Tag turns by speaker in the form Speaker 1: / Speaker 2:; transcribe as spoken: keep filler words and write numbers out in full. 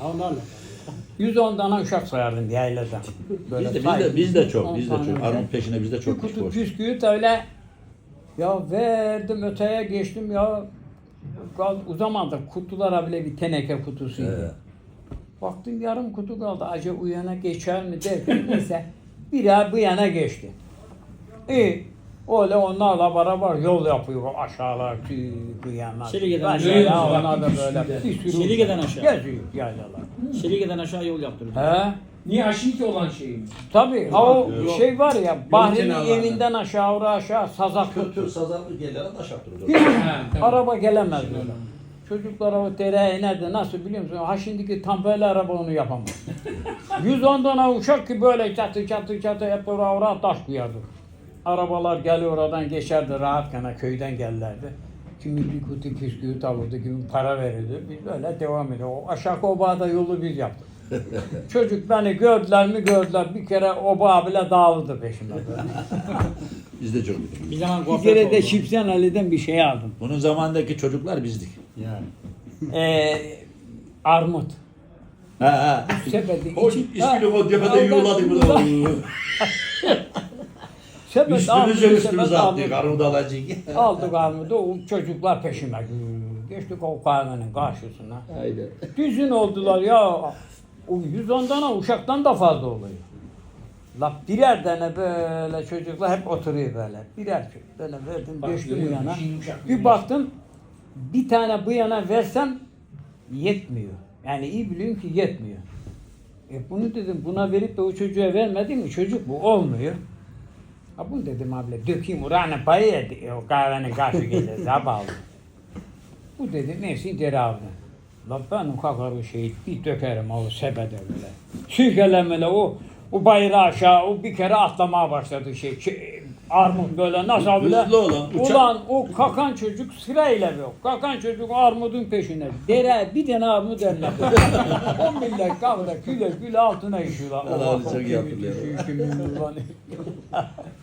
Speaker 1: onlarla.
Speaker 2: yüz on tane uşak sayardım yaylada. Böyle
Speaker 3: Biz de, biz
Speaker 2: say-
Speaker 3: de, biz de çok,
Speaker 2: on
Speaker 3: biz de
Speaker 2: tane
Speaker 3: çok.
Speaker 2: öyle.
Speaker 3: Armut peşine biz de
Speaker 2: Bir
Speaker 3: çok
Speaker 2: kutu
Speaker 3: boş.
Speaker 2: bisküvit öyle ya verdim öteye geçtim ya Kal- o zaman da kutulara bile bir teneke kutusuydu.
Speaker 3: Evet.
Speaker 2: Baktım yarım kutu kaldı. Acaba o yana geçer mi derken neyse bir ay bu yana geçti. İyi. Öyle onlarla beraber yol yapıyor aşağılar bu yana.
Speaker 1: Şelige'den
Speaker 2: Aşağıya
Speaker 1: aşağı.
Speaker 2: onlar da böyle bir sürü
Speaker 1: Şelige'den aşağı.
Speaker 2: geziyor yaylalar.
Speaker 1: Şelige'den aşağı yol yaptırdı.
Speaker 2: He?
Speaker 4: Niye Aşinki olan şey mi?
Speaker 2: Tabii. Ha o
Speaker 3: Yok.
Speaker 2: şey var ya Bahri'nin
Speaker 4: kenarlarında.
Speaker 2: evinden aşağı oraya aşağı sazak
Speaker 3: Kötü
Speaker 2: tuttu.
Speaker 3: sazanlı yerlere taş attırıyor.
Speaker 2: Hiç
Speaker 4: Ha, tamam.
Speaker 2: araba gelemez böyle. Çocuklar o dereye inerdi. Nasıl biliyor musun? Ha şimdiki tam böyle araba onu yapamaz. yüz on tane uçak ki böyle çatı çatı çatı hep oraya oraya taş koyardı. Arabalar geliyor oradan geçerdi rahat kana köyden gelirlerdi. Kimi bir kutu püsküvit alırdı, kimi para verirdi. Biz böyle devam ediyor. O aşağı obada yolu biz yaptık. Çocuk beni gördüler mi gördüler. Bir kere oba bile dağıldı peşimden.
Speaker 3: Biz de çok bildik.
Speaker 1: Bir zaman
Speaker 2: Bir
Speaker 1: kuaför
Speaker 2: kere de
Speaker 1: oldu.
Speaker 2: Şipsen Ali'den bir şey aldım.
Speaker 3: Bunun zamandaki çocuklar bizdik.
Speaker 1: Yani.
Speaker 2: Ee, armut.
Speaker 3: Ha ha.
Speaker 2: Sepeti
Speaker 3: O
Speaker 2: içi-
Speaker 3: ismini
Speaker 2: Ha,
Speaker 3: o tepede
Speaker 2: oradan-
Speaker 3: yuvarladık burada.
Speaker 2: Sepet
Speaker 3: Üstümüze
Speaker 2: aldık,
Speaker 3: üstümüze
Speaker 2: sepet
Speaker 3: attık.
Speaker 2: aldık.
Speaker 3: Armut alacak.
Speaker 2: Aldık armudu, o çocuklar peşime. Geçtik o kahvenin karşısına.
Speaker 3: Haydi.
Speaker 2: Düzün oldular ya. O yüz on tane uşaktan da fazla oluyor. La birer tane böyle çocuklar hep oturuyor böyle. Birer çocuk böyle verdim,
Speaker 4: Bak,
Speaker 2: geçtim bu
Speaker 4: görüyor
Speaker 2: yana.
Speaker 4: musun? Yumuşak,
Speaker 2: Bir
Speaker 4: yumuşak.
Speaker 2: baktım bir tane bu yana versem yetmiyor. Yani iyi biliyorum ki yetmiyor. E bunu dedim buna verip de o çocuğa vermedim mi çocuk bu olmuyor. Ha bunu dedim abla dökeyim oranın payı yedi. O kahvenin karşı gelir zavallı. Bu dedi neyse idare aldı. La ben o kakarı şeyi bir dökerim o sepete böyle. Sürkelemele o o bayrağı aşağı o bir kere atlamaya başladı şey. şey armut böyle nasıl bile.
Speaker 3: Hızlı olan, uçak-
Speaker 2: Ulan o kakan çocuk sırayla yok. Kakan çocuk armudun peşine. Dere bir tane armut eline. O millet kavga küle küle altına işiyorlar.
Speaker 3: Allah
Speaker 2: Allah,
Speaker 3: çok
Speaker 2: o
Speaker 3: iyi
Speaker 2: kimi
Speaker 3: hatırlıyorum.
Speaker 2: düşüyor, kimi ulan.